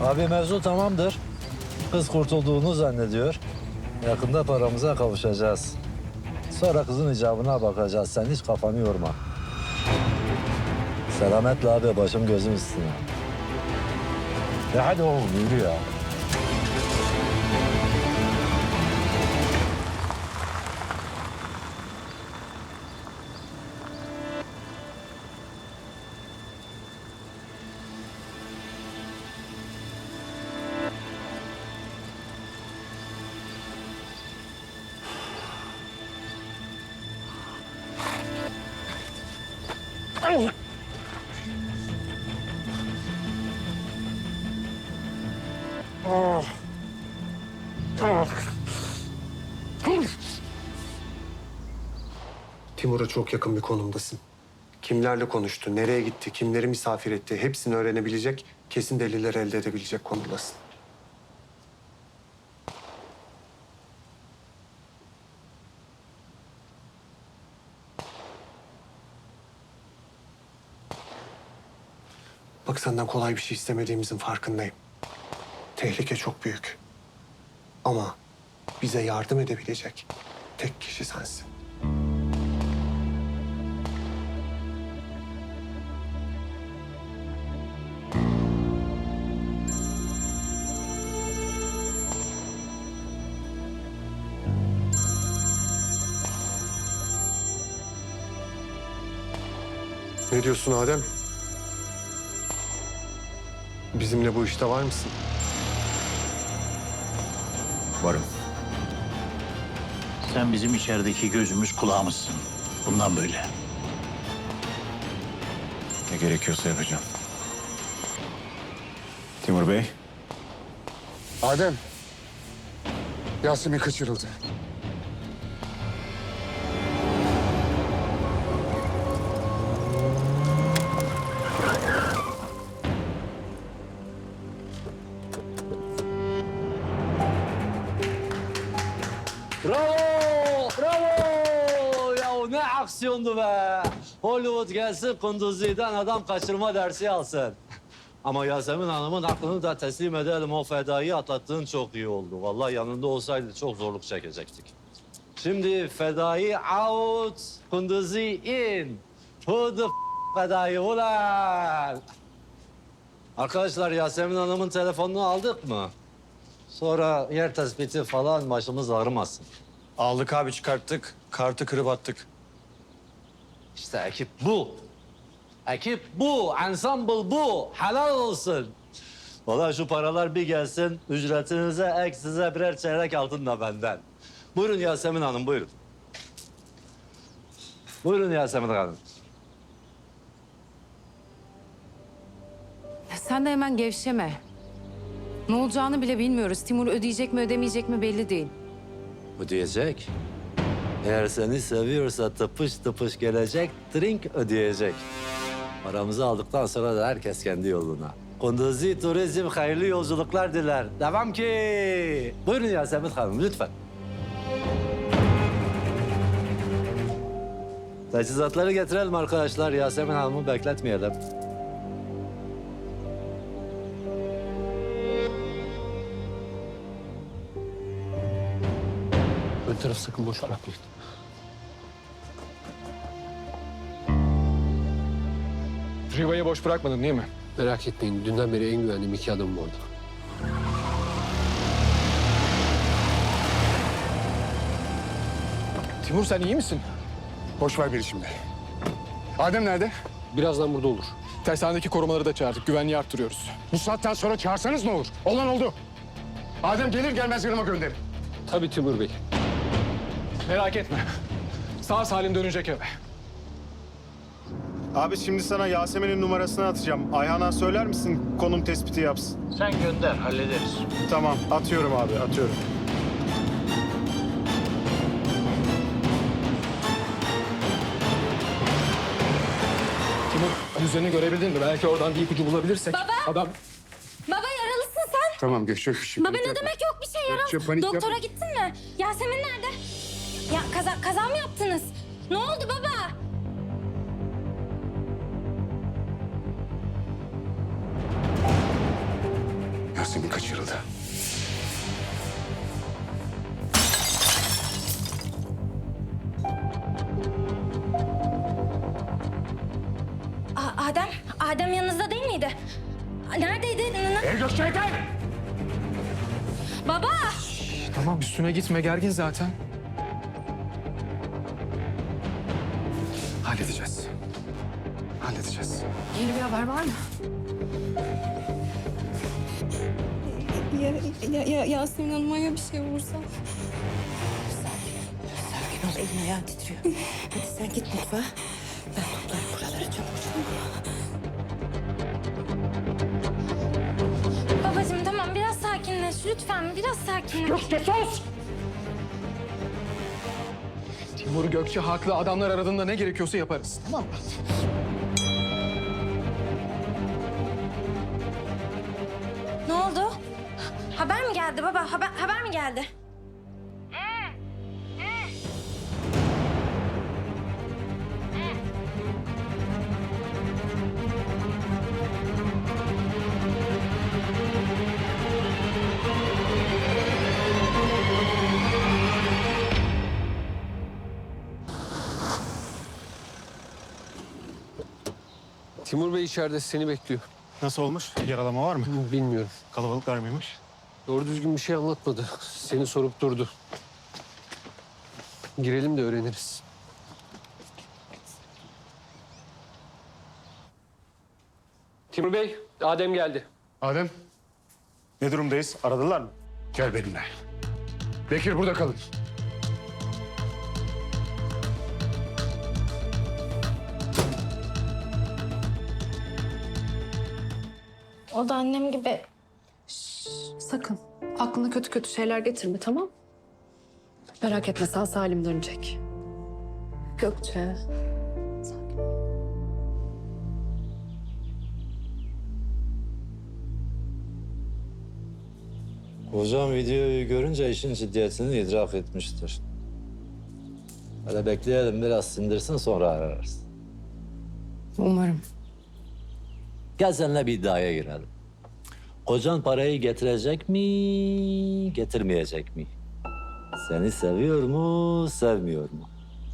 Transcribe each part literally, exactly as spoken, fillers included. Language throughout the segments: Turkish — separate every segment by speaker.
Speaker 1: Abi mevzu tamamdır. Kız kurtulduğunu zannediyor. Yakında paramıza kavuşacağız. Sonra kızın icabına bakacağız. Sen hiç kafanı yorma. Selametle abi, başım gözüm üstüne. Ya hadi oğlum, yürü ya.
Speaker 2: Timur'a çok yakın bir konumdasın. Kimlerle konuştu, nereye gitti, kimleri misafir etti hepsini öğrenebilecek, kesin deliller elde edebilecek konumdasın. Bak senden kolay bir şey istemediğimizin farkındayım. Tehlike çok büyük. Ama bize yardım edebilecek tek kişi sensin. Ne diyorsun Adem? Bizimle bu işte var mısın?
Speaker 3: Varım. Sen bizim içerideki gözümüz kulağımızsın. Bundan böyle.
Speaker 4: Ne gerekiyorsa yapacağım. Timur Bey.
Speaker 5: Adem, Yasemin kaçırıldı.
Speaker 1: Bravo! Bravo! Ya ne aksiyondu be! Hollywood gelsin, Kunduzi'den adam kaçırma dersi alsın. Ama Yasemin Hanım'ın aklını da teslim edelim. O fedayı atlattığın çok iyi oldu. Vallahi yanında olsaydı çok zorluk çekecektik. Şimdi fedayı out, Kunduzi in. Who the f- fedayı ulan? Arkadaşlar, Yasemin Hanım'ın telefonunu aldık mı? Sonra yer tespiti falan başımız ağrımasın.
Speaker 6: Aldık abi, çıkarttık. Kartı kırıp attık.
Speaker 1: İşte ekip bu. Ekip bu, ensemble bu. Helal olsun. Vallahi şu paralar bir gelsin, ücretinize ek size birer çeyrek altın da benden. Buyurun Yasemin Hanım, buyurun. Buyurun Yasemin Hanım.
Speaker 7: Sen de hemen gevşeme. Ne olacağını bile bilmiyoruz. Timur ödeyecek mi ödemeyecek mi belli değil.
Speaker 1: Ödeyecek. Eğer seni seviyorsa tıpış tıpış gelecek, drink ödeyecek. Paramızı aldıktan sonra da herkes kendi yoluna. Kunduzi Turizm hayırlı yolculuklar diler. Devam ki. Buyurun Yasemin Hanım, lütfen. Teçhizatları getirelim arkadaşlar. Yasemin Hanım'ı bekletmeyelim.
Speaker 8: Ön taraf sakın boş bırakmayın.
Speaker 5: Riva'yı boş bırakmadın değil mi?
Speaker 8: Merak etmeyin. Dünden beri en güvendiğim iki adamım orada.
Speaker 5: Timur sen iyi misin? Boş ver beni şimdi. Adem nerede?
Speaker 8: Birazdan burada olur.
Speaker 5: Tersanedeki korumaları da çağırdık. Güvenliği arttırıyoruz. Bu saatten sonra çağırsanız ne olur? Olan oldu. Adem gelir gelmez yanıma gönderin.
Speaker 8: Tabii Timur Bey.
Speaker 5: Merak etme. Sağ salim dönecek eve.
Speaker 9: Abi şimdi sana Yasemin'in numarasını atacağım. Ayhan'a söyler misin konum tespiti yapsın?
Speaker 3: Sen gönder, hallederiz.
Speaker 9: Tamam, atıyorum abi, atıyorum.
Speaker 5: Timur yüzlerini görebildin mi? Belki oradan bir ipucu bulabilirsek.
Speaker 10: Baba!
Speaker 5: Adam...
Speaker 10: Baba yaralısın sen.
Speaker 5: Tamam geçecek bir şey.
Speaker 10: Baba ne demek yok bir şey yaralı.
Speaker 5: Geçecek, panik yapma.
Speaker 10: Doktora gittin mi? Yasemin nerede? Ya kaza, kaza mı yaptınız? Ne oldu baba?
Speaker 5: Yasemin kaçırıldı.
Speaker 10: A- Adem, Adem yanınızda değil miydi? Neredeydi? N- n-
Speaker 5: El gösterden!
Speaker 10: Baba!
Speaker 5: Tamam üstüne gitme, gergin zaten. Halledeceğiz. Halledeceğiz.
Speaker 7: Yeni bir haber var mı?
Speaker 11: Ya, ya, ya Yasemin Hanım'a ya bir şey olursa?
Speaker 7: Sakin ol, elin ayağın titriyor. Hadi sen git mutfağa. Ben toplarım buraları çabuk çabuk.
Speaker 10: Babacığım tamam biraz sakinleş lütfen biraz sakinleş.
Speaker 5: Gökçe sus! Timur Gökçe haklı. Adamlar aradığında ne gerekiyorsa yaparız. Tamam mı?
Speaker 10: Ne oldu? Haber mi geldi baba? Haber, haber mi geldi?
Speaker 8: Timur Bey içeride seni bekliyor.
Speaker 9: Nasıl olmuş? Yaralama var mı?
Speaker 8: Bilmiyorum.
Speaker 9: Kalabalıklar mıymış?
Speaker 8: Doğru düzgün bir şey anlatmadı. Seni sorup durdu. Girelim de öğreniriz. Timur Bey, Adem geldi.
Speaker 5: Adem,
Speaker 9: Ne durumdayız? Aradılar mı?
Speaker 5: gel benimle. Bekir, burada kalın.
Speaker 10: O da annem gibi.
Speaker 11: Sakın. Aklına kötü kötü şeyler getirme, tamam? Merak etme, sağ salim dönecek. Gökçe.
Speaker 1: Hocam videoyu görünce işin ciddiyetini idrak etmiştir. Hele bekleyelim biraz sindirsin sonra ararız.
Speaker 7: Umarım.
Speaker 1: Gel seninle bir iddiaya girelim. Kocan parayı getirecek mi, getirmeyecek mi? Seni seviyor mu, sevmiyor mu?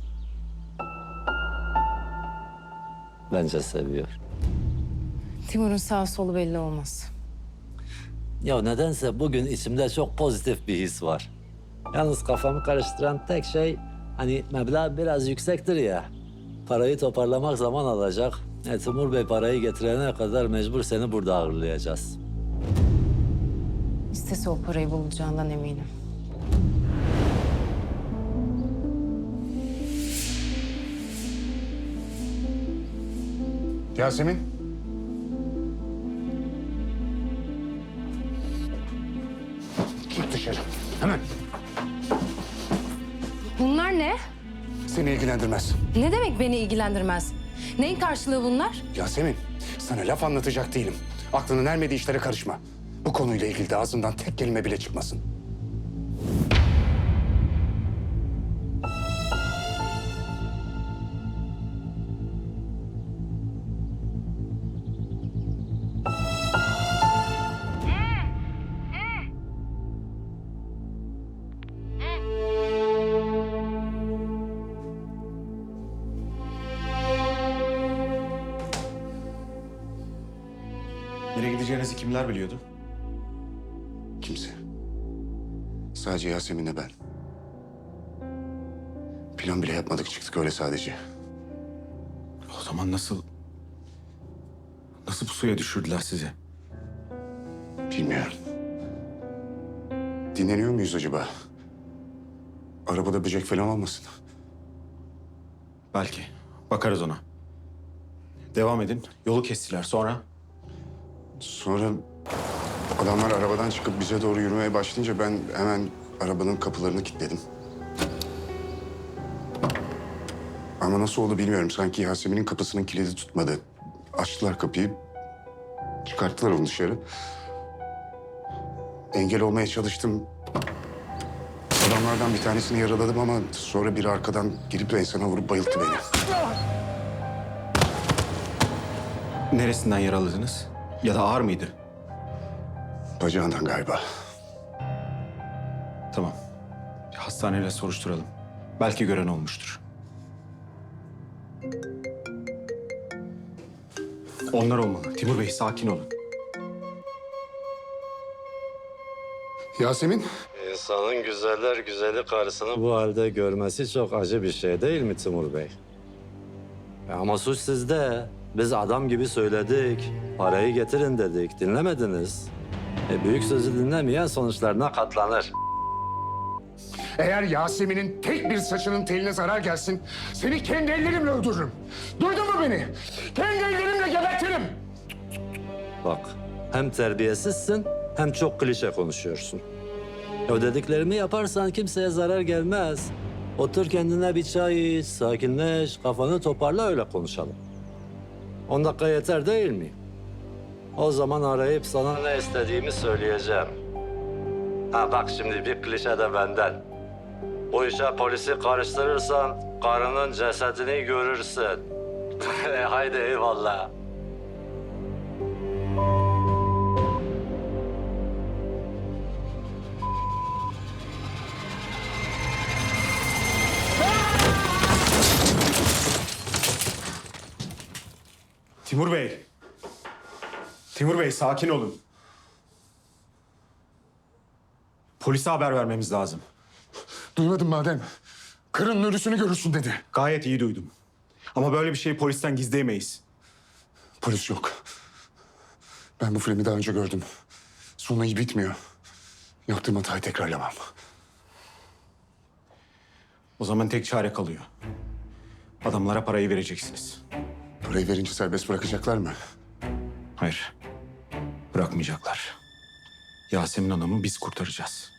Speaker 1: Bence seviyor.
Speaker 7: Timur'un sağ solu belli olmaz.
Speaker 1: Ya nedense bugün içimde çok pozitif bir his var. Yalnız kafamı karıştıran tek şey hani meblağ biraz yüksektir ya. Parayı toparlamak zaman alacak. E, Timur Bey parayı getirene kadar mecbur seni burada ağırlayacağız.
Speaker 7: İstese o parayı bulacağından eminim.
Speaker 5: Yasemin. Git dışarı. Hemen.
Speaker 7: Bunlar ne?
Speaker 5: Seni ilgilendirmez.
Speaker 7: Ne demek beni ilgilendirmez? Neyin karşılığı bunlar?
Speaker 5: Yasemin, sana laf anlatacak değilim. Aklının ermediği işlere karışma. Bu konuyla ilgili de ağzından tek kelime bile çıkmasın.
Speaker 4: Nereye gideceğinizi kimler biliyordu?
Speaker 5: Kimse. Sadece Yasemin'le ben. Plan bile yapmadık, çıktık öyle sadece.
Speaker 4: O zaman nasıl... Nasıl bu suya düşürdüler sizi?
Speaker 5: Bilmiyorum. Dinleniyor muyuz acaba? Arabada böcek falan olmasın.
Speaker 4: Belki. Bakarız ona. Devam edin. Yolu kestiler. Sonra?
Speaker 5: Sonra adamlar arabadan çıkıp bize doğru yürümeye başlayınca ben hemen arabanın kapılarını kilitledim. Ama nasıl oldu bilmiyorum. Sanki Yasemin'in kapısının kilidi tutmadı. Açtılar kapıyı. Çıkarttılar onu dışarı. Engel olmaya çalıştım. Adamlardan bir tanesini yaraladım ama sonra biri arkadan girip enseme vurup bayılttı beni.
Speaker 4: Neresinden yaraladınız? Ya da ağır mıydı?
Speaker 5: Bacağından galiba.
Speaker 4: Tamam. Bir hastaneyle soruşturalım. Belki gören olmuştur. Onlar olmalı. Timur Bey sakin olun.
Speaker 5: Yasemin?
Speaker 1: İnsanın güzeller güzeli karısını bu halde görmesi çok acı bir şey değil mi Timur Bey? E ama suç sizde. Biz adam gibi söyledik. Parayı getirin dedik. Dinlemediniz. E büyük sözü dinlemeyen sonuçlarına katlanır.
Speaker 12: Eğer Yasemin'in tek bir saçının teline zarar gelsin, seni kendi ellerimle öldürürüm. Duydun mu beni? Kendi ellerimle gebertirim.
Speaker 1: Bak, hem terbiyesizsin hem çok klişe konuşuyorsun. O dediklerimi yaparsan kimseye zarar gelmez. Otur kendine bir çay iç, sakinleş, kafanı toparla öyle konuşalım. On dakika yeter değil mi? O zaman arayıp sana ne istediğimi söyleyeceğim. Ha bak şimdi bir klişe de benden. Bu işe polisi karıştırırsan karının cesedini görürsün. Haydi eyvallah.
Speaker 4: Timur Bey. Timur Bey sakin olun. Polise haber vermemiz lazım.
Speaker 12: Duymadın madem. Kırın ölüsünü görürsün dedi.
Speaker 4: Gayet iyi duydum. Ama böyle bir şeyi polisten gizleyemeyiz.
Speaker 5: Polis yok. Ben bu filmi daha önce gördüm. Sonu iyi bitmiyor. Yaptığım hatayı tekrarlamam.
Speaker 4: O zaman tek çare kalıyor. Adamlara parayı vereceksiniz.
Speaker 5: Parayı verince serbest bırakacaklar mı?
Speaker 4: Hayır. Bırakmayacaklar. Yasemin Hanım'ı biz kurtaracağız.